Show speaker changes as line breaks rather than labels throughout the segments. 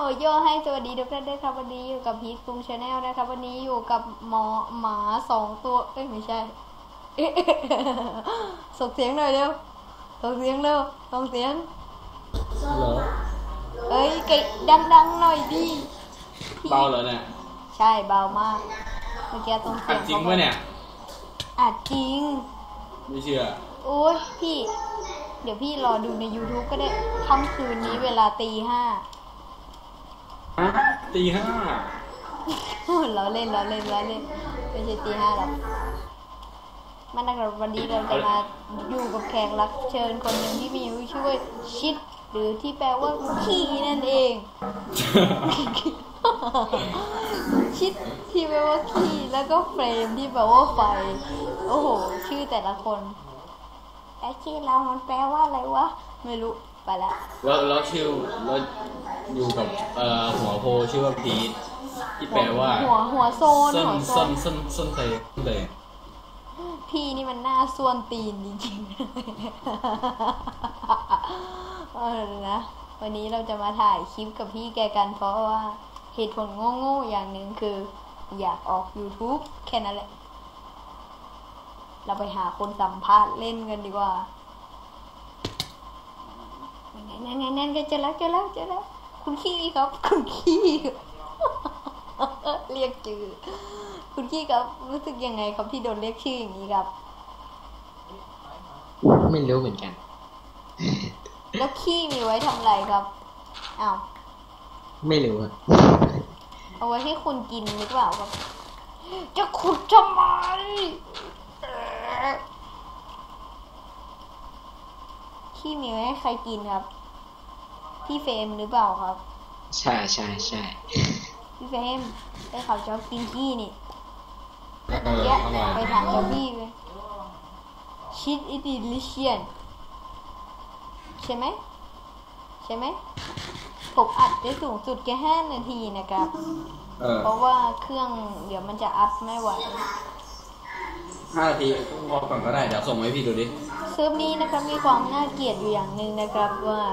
โยให้สวัสดีทุกท่านด้วยครับวันนี้อยู่กับพีทคุงชาแนลนะครับวันนี้อยู่กับหมา2 ตัวไม่ใช่ ส่งเสียงหน่อยเร็วส่งเสียงเร็วส่งเสียง
เหรอ
เอ้ยเก่งดังหน่อยดิ
เบาเหรอเนี่ย
ใช่เบามากเมื่อกี้ตรงเสียง
จริงปะเนี่ย
จริง
ไม่เชื่อ
โอ้ยพี่เดี๋ยวพี่รอดูใน YouTube ก็ได้ค่ำคืนนี้เวลาตี 5
ตี 5
เราเล่นไม่ใช่ตี 5หรอกมันนะครับวันนี้เราจะมาอยู่กับแขกรับเชิญคนหนึ่งที่มีชื่อว่าชิดหรือที่แปลว่าขี้นั่นเอง ชิดที่แปลว่าขี้แล้วก็เฟรมที่แปลว่าไฟโอ้โหชื่อแต่ละคนไอ้ขี้เรามันแปลว่าอะไรวะไม่รู้ไปละ
แล้วชื่อแล้วอยู่กับหัวโพชื่อว่าพีทที่แปลว่า
หัวโซน
ส้นเลย
พี่นี่มันหน้าส่วนตีนจริงๆนะวันนี้เราจะมาถ่ายคลิปกับพี่แกกันเพราะว่าเหตุผลโง่ๆอย่างหนึ่งคืออยากออก YouTube แค่นั้นแหละเราไปหาคนสัมภาษณ์เล่นกันดีกว่านั่นก็เจอแล้วคุณขี้ครับคุณขี้เรียกชื่อคุณขี้ครับรู้สึกยังไงครับที่โดนเรียกชื่ออย่างนี้ครับ
ไม่รู้เหมือนกัน
แล้วขี้มีไว้ทำอะไรครับอ้าว
ไม่รู้อะ
เอาไว้ให้คุณกินหรือเปล่าครับจะขุดทำไมขี้มีไว้ให้ใครกินครับพี่เฟรมหรือเปล่าครับ
ใช่
พี่เฟรมได้ข่าวชอบกินขี้นี่เยอะไปถามเจ้าพี่เลยชีสอิติลิเชียนใช่ไหมผมอัดได้สูงสุดแค่5 นาทีนะครับเพราะว่าเครื่องเดี๋ยวมันจะอัพไม่ไหว
5 นาทีพอก่อนก็ได้เดี๋ยวส่งให้พี่ดูดิ
เซิร์ฟนี้นะครับมีความน่าเกลียดอยู่อย่างหนึ่งนะครับว่า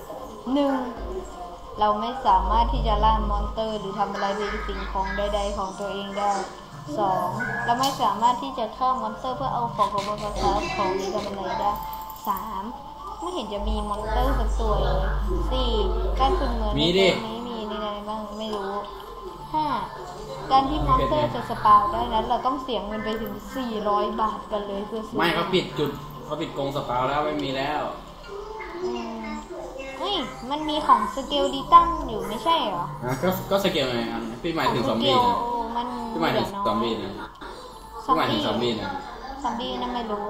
1เราไม่สามารถที่จะล่ามอนสเตอร์หรือทำอะไรเป็นสิ่งของใดๆของตัวเองได้2เราไม่สามารถที่จะฆ่ามอนสเตอร์เพื่อเอาของบนกระสอบของนี้ทำอะไรได้3ไม่เห็นจะมีมอนสเตอร์สักตัวเลย4การฝึกเหมือน
มีดิ
ไม่มีในไหนบ้างไม่รู้5การที่มอนสเตอร์จะสปาวได้นั้นเราต้องเสียเงินไปถึง400 บาทกันเลยเพื่อซื้อ
ไม่เขาปิดกรงสปาวแล้วไม่มีแล้ว
เฮ้ยมันมีของสเกลดิตันอยู่ไม่ใช่เหรอ
ก็สเกลไงพี่หมายถึงซอมบี้นะพี่หมายถึงซอมบี้นะ
ซอมบี้นั่นไม่รู้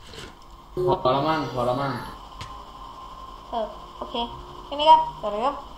พอแล้วมั้ง
โอเคใช่ไหมครับสวัสดีครับ